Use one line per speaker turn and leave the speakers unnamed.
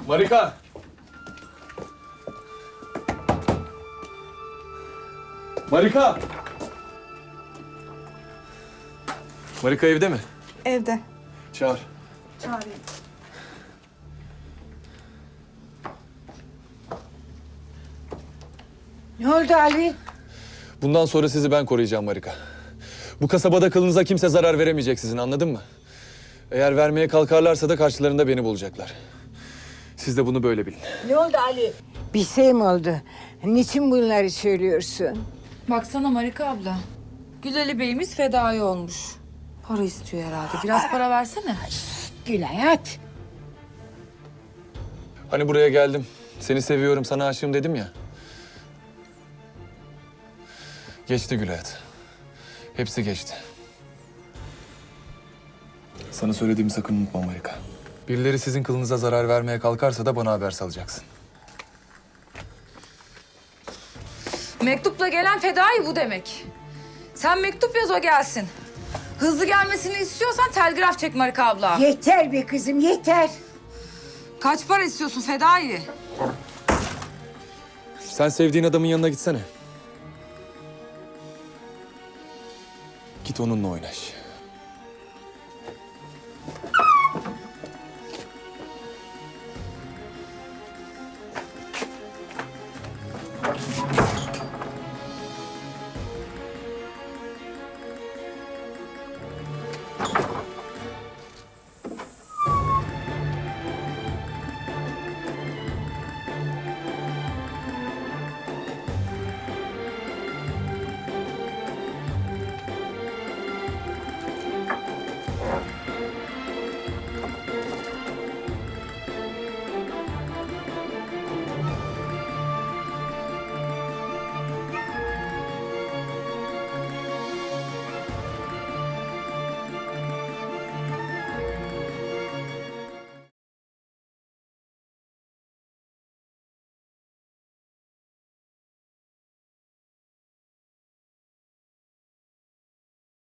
Marika! Marika! Marika evde mi?
Evde.
Çağır.
Çağırayım.
Ne oldu Ali?
Bundan sonra sizi ben koruyacağım Marika. Bu kasabada kılınıza kimse zarar veremeyecek sizin, anladın mı? Eğer vermeye kalkarlarsa da karşılarında beni bulacaklar. Siz de bunu böyle bilin.
Ne oldu Ali? Bir şey mi oldu? Niçin bunları söylüyorsun?
Baksana Marika abla. Gülali Bey'imiz fedai olmuş. Para istiyor herhalde. Biraz para versene.
Gülay at.
Hani buraya geldim, seni seviyorum, sana aşığım dedim ya. Geçti Gül hayat. Hepsi geçti. Sana söylediğimi sakın unutma Marika. Birileri sizin kılınıza zarar vermeye kalkarsa da bana haber salacaksın.
Mektupla gelen fedai bu demek. Sen mektup yaz o gelsin. Hızlı gelmesini istiyorsan telgraf çek Marika abla.
Yeter be kızım yeter.
Kaç para istiyorsun fedai?
Sen sevdiğin adamın yanına gitsene. Git onunla oynaş.